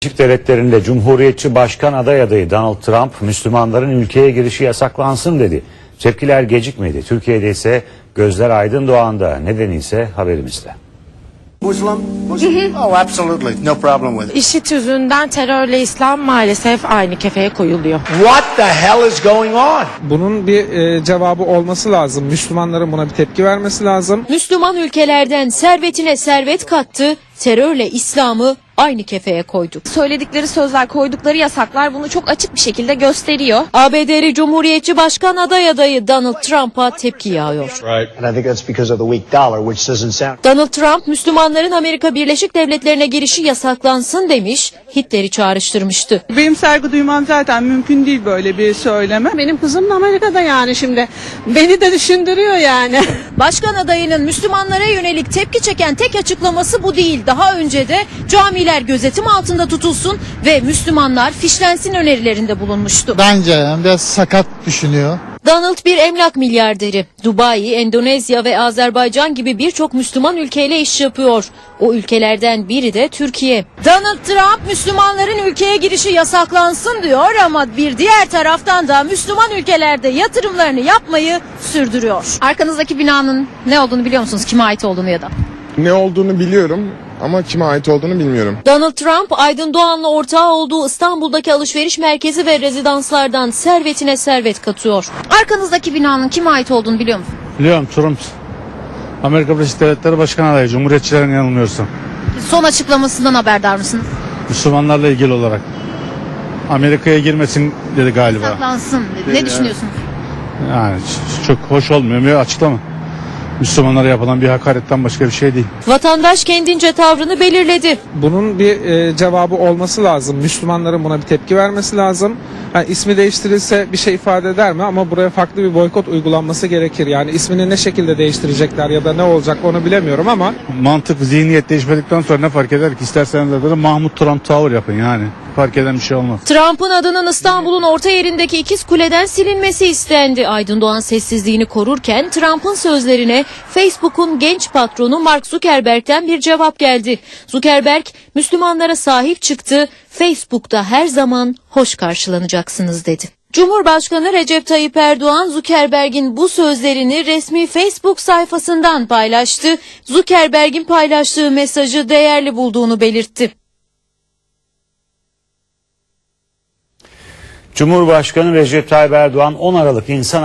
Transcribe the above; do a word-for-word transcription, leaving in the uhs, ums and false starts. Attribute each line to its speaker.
Speaker 1: Birleşik Devletleri'nde Cumhuriyetçi Başkan aday adayı Donald Trump, Müslümanların ülkeye girişi yasaklansın dedi. Tepkiler gecikmedi. Türkiye'de ise gözler aydın doğanda. Nedeni ise haberimizde.
Speaker 2: Muslim? Muslim? Oh, absolutely. No problem with it.
Speaker 3: İşit yüzünden terörle İslam maalesef aynı kefeye koyuluyor.
Speaker 2: What the hell is going on?
Speaker 4: Bunun bir e, cevabı olması lazım. Müslümanların buna bir tepki vermesi lazım.
Speaker 5: Müslüman ülkelerden servetine servet kattı, terörle İslam'ı aynı kefeye koydu.
Speaker 3: Söyledikleri sözler, koydukları yasaklar bunu çok açık bir şekilde gösteriyor.
Speaker 5: A B D'li Cumhuriyetçi Başkan aday adayı Donald Trump'a tepki yağıyor.
Speaker 6: And I think that's because of the weak dollar, which doesn't sound...
Speaker 5: Donald Trump, Müslümanların Amerika Birleşik Devletleri'ne girişi yasaklansın demiş, Hitler'i çağrıştırmıştı.
Speaker 7: Benim saygı duymam zaten mümkün değil böyle bir söyleme.
Speaker 8: Benim kızım da Amerika'da yani şimdi. Beni de düşündürüyor yani.
Speaker 5: Başkan adayının Müslümanlara yönelik tepki çeken tek açıklaması bu değil. Daha önce de camiler gözetim altında tutulsun ve Müslümanlar fişlensin önerilerinde bulunmuştu.
Speaker 9: Bence biraz sakat düşünüyor.
Speaker 5: Donald bir emlak milyarderi. Dubai, Endonezya ve Azerbaycan gibi birçok Müslüman ülkeyle iş yapıyor. O ülkelerden biri de Türkiye. Donald Trump Müslümanların ülkeye girişi yasaklansın diyor ama bir diğer taraftan da Müslüman ülkelerde yatırımlarını yapmayı sürdürüyor.
Speaker 3: Arkanızdaki binanın ne olduğunu biliyor musunuz? Kime ait olduğunu ya da?
Speaker 10: Ne olduğunu biliyorum ama kime ait olduğunu bilmiyorum.
Speaker 5: Donald Trump, Aydın Doğan'la ortağı olduğu İstanbul'daki alışveriş merkezi ve rezidanslardan servetine servet katıyor.
Speaker 3: Arkanızdaki binanın kime ait olduğunu biliyor musunuz?
Speaker 11: Biliyorum, Trump. Amerika Birleşik Devletleri Başkan adayı, Cumhuriyetçilerin yanılmıyorsam.
Speaker 3: Son açıklamasından haberdar mısınız?
Speaker 11: Müslümanlarla ilgili olarak. Amerika'ya girmesin dedi galiba.
Speaker 3: Yasaklansın dedi. Ne düşünüyorsunuz?
Speaker 11: Yani çok hoş olmuyor. Bir açıklama. Müslümanlara yapılan bir hakaretten başka bir şey değil.
Speaker 5: Vatandaş kendince tavrını belirledi.
Speaker 4: Bunun bir e, cevabı olması lazım. Müslümanların buna bir tepki vermesi lazım. Yani ismi değiştirilse bir şey ifade eder mi? Ama buraya farklı bir boykot uygulanması gerekir. Yani ismini ne şekilde değiştirecekler ya da ne olacak onu bilemiyorum ama.
Speaker 11: Mantık, zihniyet değişmedikten sonra ne fark eder ki? İsterseniz de Mahmut Trump tavır yapın yani. Fark eden bir şey olmaz.
Speaker 5: Trump'ın adının İstanbul'un orta yerindeki ikiz kuleden silinmesi istendi. Aydın Doğan sessizliğini korurken Trump'ın sözlerine Facebook'un genç patronu Mark Zuckerberg'ten bir cevap geldi. Zuckerberg, Müslümanlara sahip çıktı, Facebook'ta her zaman hoş karşılanacaksınız dedi. Cumhurbaşkanı Recep Tayyip Erdoğan, Zuckerberg'in bu sözlerini resmi Facebook sayfasından paylaştı. Zuckerberg'in paylaştığı mesajı değerli bulduğunu belirtti.
Speaker 1: Cumhurbaşkanı Recep Tayyip Erdoğan on Aralık İnsan